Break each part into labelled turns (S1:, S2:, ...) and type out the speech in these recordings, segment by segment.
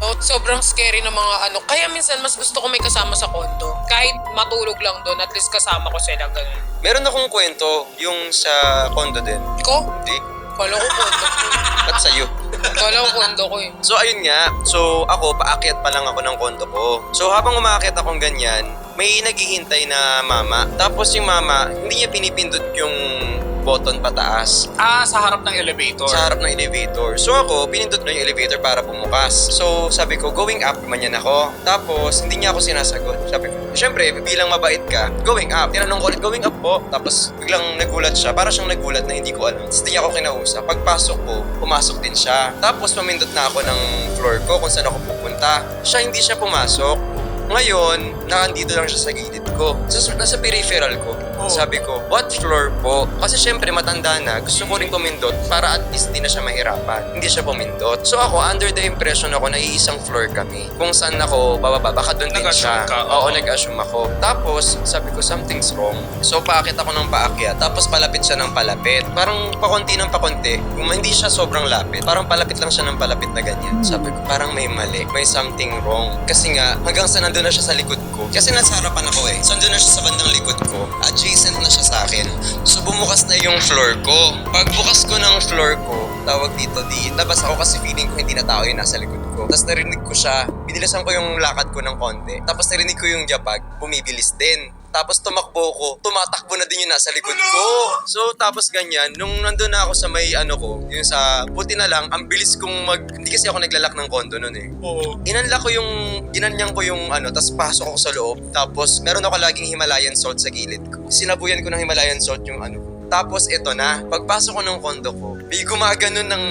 S1: Sobrang scary ng mga ano. Kaya minsan mas gusto ko may kasama sa kondo. Kahit matulog lang doon, at least kasama ko sila ganun.
S2: Meron akong kwento yung sa condo din.
S1: Ko?
S2: Hindi.
S1: Kala ko kondo ko.
S2: Ba't sa'yo?
S1: Kala ko kondo ko eh.
S2: So ayun nga, so ako paakyat pa lang ako ng kondo ko. So habang umaakyat akong ganyan, may naghihintay na mama. Tapos yung mama, hindi niya pinipindot yung button pataas
S3: Sa harap ng elevator.
S2: sa harap ng elevator. So ako, pinindot na yung elevator para bumukas. So sabi ko, going up, manyan ako. Tapos hindi niya ako sinasagot. Sabi ko, syempre, bilang mabait ka, going up. Tinanong ko ulit, going up po. Tapos biglang nagulat siya. Para siyang nagulat na hindi ko alam. Tapos hindi niya ako kinausap. Pagpasok ko, pumasok din siya. Tapos pamindot na ako ng floor ko kung saan ako pupunta. Siya hindi siya pumasok. Ngayon, nakandito lang siya sa gilid ko. Nasa peripheral ko. Sabi ko, what floor po? Kasi syempre matanda na, gusto ko rin pumindot para at least di na siya mahirapan. Hindi siya pumindot. So ako, under the impression ako na iisang floor kami. Kung saan ako bababa, baka doon din siya.
S3: Nag-assume ka,
S2: Oo, nag-assume ako. Tapos, sabi ko, something's wrong. So paakyat ako ng paakyat. Tapos palapit siya ng palapit. Parang pakunti ng pakunti. Kung hindi siya sobrang lapit, parang palapit lang siya ng palapit na ganyan. Sabi ko, parang may mali. May something wrong. Kasi nga, hanggang sa nandun na siya sa likod ko. Kasi nasa harapan ako eh. So nandun na siya sa bandang likod ko. Adjacent na siya sa akin. So bumukas na yung floor ko. Pagbukas ko ng floor ko, tawag dito, di labas ako kasi feeling ko hindi na tao yung nasa likod ko. Tapos narinig ko siya, binilasan ko yung lakad ko ng konti. Tapos narinig ko yung jabag, bumibilis din. Tapos tumakbo ko, tumatakbo na din yung nasa likod ko. So tapos ganyan, nung nandun na ako sa may ano ko, yung sa buti na lang, ang bilis kong hindi kasi ako naglalak ng kondo nun eh.
S3: Oo.
S2: Ginanyang ko yung ano, tapos pasok ako sa loob. Tapos meron ako laging Himalayan salt sa gilid ko. Sinabuyan ko ng Himalayan salt yung ano. Tapos ito na, pagpasok ko ng kondo ko, may gumaganon ng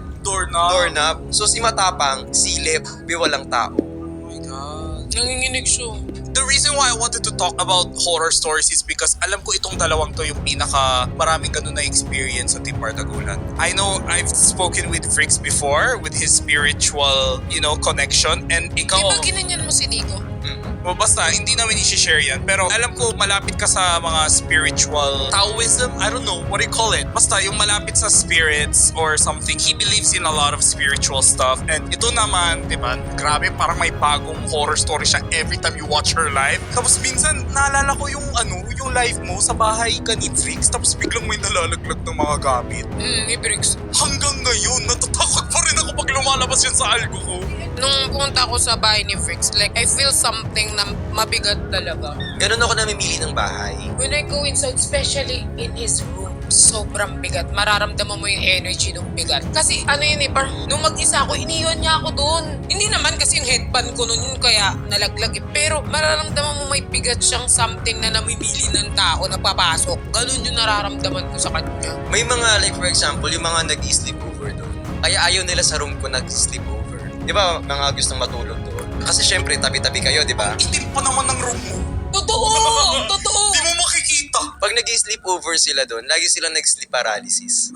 S2: doorknob. So si Matapang, silip, may walang tao.
S3: Oh my God.
S1: Nanginginig siya.
S3: The reason why I wanted to talk about horror stories is because alam ko itong dalawang to yung pinaka maraming ganun na experience sa Team Bardagulan. I know I've spoken with Fricks before with his spiritual, connection, and
S1: Di
S3: ikaw,
S1: ba ginanyan mo si Nico?
S3: o basta hindi namin i-share yan, pero alam ko malapit ka sa mga spiritual Taoism, I don't know, what do you call it? Basta yung malapit sa spirits or something. He believes in a lot of spiritual stuff, and ito naman, di ba, grabe, parang may bagong horror story siya every time you watch her live. Tapos minsan naalala ko yung live mo sa bahay ka ni Fricks, tapos biglang may nalalaglag ng mga gamit.
S1: Ni Briggs.
S3: Hanggang ngayon natatakot pa rin ako pag lumalabas yan sa algo ko.
S1: Nung pumunta ako sa bahay ni Fricks, like, I feel something na mabigat talaga.
S2: Ganun ako namimili ng bahay.
S1: When I go inside, especially in his room, sobrang bigat. Mararamdaman mo yung energy ng bigat. Kasi ano yun eh, parang nung mag-isa ako, iniwan niya ako doon. Hindi naman kasi yung headband ko noon yun kaya nalaglag eh. Pero mararamdaman mo may bigat siyang something na namimili ng tao na papasok. Ganun yung nararamdaman ko sa kanya.
S2: May mga, like for example, yung mga nag-sleepover doon. Kaya ayaw nila sa room ko nag-sleepover. Di ba, mga gustong matulog doon? Kasi syempre, tabi-tabi kayo, di ba?
S3: Itim pa naman ng room mo.
S1: Totoo! Totoo!
S3: Di mo makikita.
S2: Pag nag-sleepover sila doon, lagi silang nag-sleep paralysis.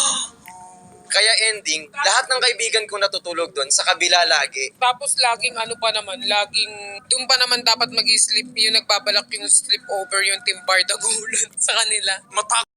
S2: Kaya ending, lahat ng kaibigan ko natutulog doon, sa kabila lagi.
S1: Tapos laging doon pa naman dapat mag-sleep yung nagbabalak yung sleep over yung Team Bardagulan sa kanila.